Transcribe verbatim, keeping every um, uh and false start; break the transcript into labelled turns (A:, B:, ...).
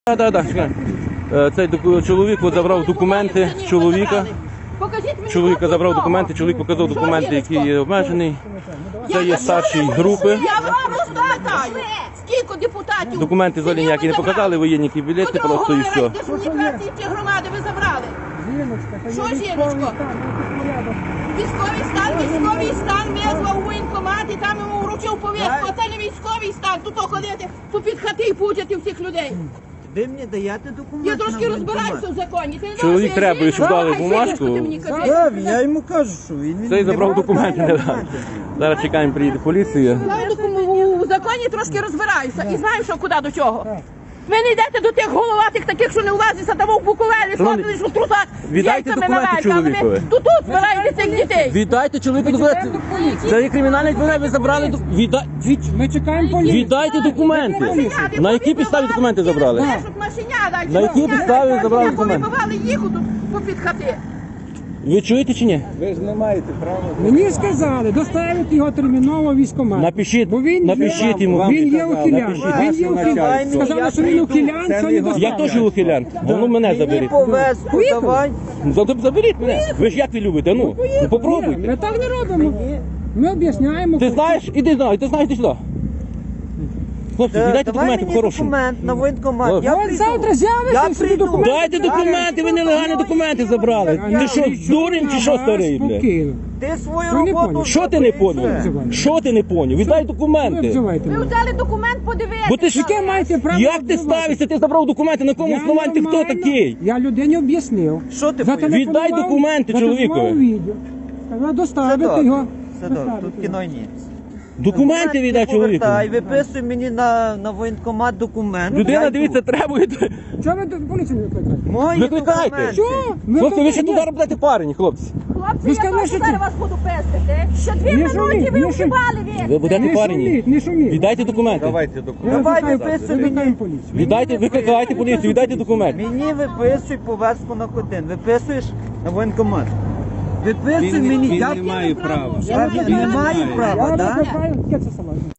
A: Так, так, так. Цей чоловік забрав документи чоловіка. Чоловіка забрав документи, чоловік показав документи, які є обмежений. Це є старший групи.
B: Я вам розкатаю. Скільки депутатів?
A: Документи взагалі ніякі не показали, воєнні білети, просто і все.
B: Дезінфікації ці громади ви забрали. Що, жіночко? Військовий стан, військовий стан визвав у воєнкомат і там йому вручив повістку. А це не військовий стан, тут ходити попід хати і путати всіх людей.
C: Ви мені даєте документи?
B: Я трошки розбираюся в законі.
A: Чоловік треба, щоб дали бумажку.
C: Я йому кажу, що він...
A: Цей забрав документи, не дав. Зараз чекаємо, приїде поліція.
B: У законі трошки розбираюся і знаю, що куди до чого. Ви не йдете до тих головатих таких, що не влазиться там в Буковелі, сходили, що в трусах з
A: віддайте
B: яйцями
A: документи
B: на велька, але ви
A: чоловікові.
B: тут тут збираєте цих дітей.
A: Віддайте чоловіку документи. Це є кримінальний відповідальність, ви забрали документи. Відда...
D: Ми чекаємо поліцію.
A: Віддайте документи. На які підставі документи забрали? На які підставі забрали документи?
B: Вони бували їх тут попід хати.
A: Ви чуєте чи ні?
C: Ви ж не маєте права.
D: Мені сказали доставити його терміново в військкомат.
A: Напишіть,
D: Бо він
A: напишіть
D: є,
A: йому.
D: Він є ухилян. Він є ухилян. Сказали, що він ухилян, що не
A: Я
D: доставили.
A: теж ухилян. Ну мене
C: Мені
A: заберіть.
C: повестку давай.
A: Ну, заберіть мене. Ви ж як ви любите? Ну, ну
D: Ні,
A: попробуйте.
D: ми так не робимо. Ми об'ясняємо.
A: Ти знаєш, іди знай, ти знаєш, ти сюди. Хлопці, віддайте
C: Давай
A: документи
C: мені
A: по-хорошому.
C: документ на воєнкомат.
A: От.
C: Я
D: От
C: прийду.
D: завтра
C: Я
D: з'явиться і собі
C: прийду.
D: документи.
A: Дайте документи, ви нелегальні документи забрали. Ти що, дурень чи що старий, блядь?
D: Спокійно.
C: Ти свою
D: Ви не
C: роботу...
D: поняли.
A: Що ти не поняв?
D: Взивайте.
A: Що ти не поняв? Віддай
D: Ви
A: документи.
D: взивайте
B: Ви
D: мене.
B: взяли документ, подивитися.
A: Бо ти ж
D: Яке маєте право?
A: Як ти
D: обзивати?
A: ставишся? Ти забрав документи, на якому
D: Я
A: основанні ти хто
D: нормально.
A: такий?
D: Я людині об'яснив.
C: Що ти
D: Зателефонував-
C: поїдеш?
A: Віддай документи
D: зателефонував
A: чоловікові.
D: відео. Сказав доставити
C: Це
D: його.
C: Це добре,
D: Доставити
C: тут
D: його.
C: кіно ні.
A: Документи віддай чоловіку.
C: Повертай, виписуй мені на, на воєнкомат документ.
A: Людина,
C: Я
A: дивіться,
C: йду.
A: требує.
D: Чого ви до поліцію не викликаєте?
C: Мої
A: Викликайте.
C: документи.
D: Що?
A: Хлопці, ви ще
D: ні.
A: туди робите парені, хлопці.
B: Хлопці,
D: Ви
B: я
D: сказали,
B: теж
D: що
B: зараз
D: ти-
B: вас буду пестити. Ще дві
D: Не
B: минути
D: шуміть,
B: ви
D: не
B: вживали
A: Ви
B: він.
A: будете
D: Не
A: парені.
D: шуміть, не шуміть.
A: Віддайте документи.
C: Давайте
D: Я
C: документи. Давай
D: викликаю-
C: виписуй
D: викликаю
C: мені.
D: поліцію.
A: Віддайте, викликайте поліцію, віддайте документи.
C: Мені виписуй повестку на котин. Виписуєш на воєнкомат. Виписуй мені.
E: він
C: Я
E: не має права.
C: Я не маю
D: Я
C: права, так?
D: викликаю, яке це саме?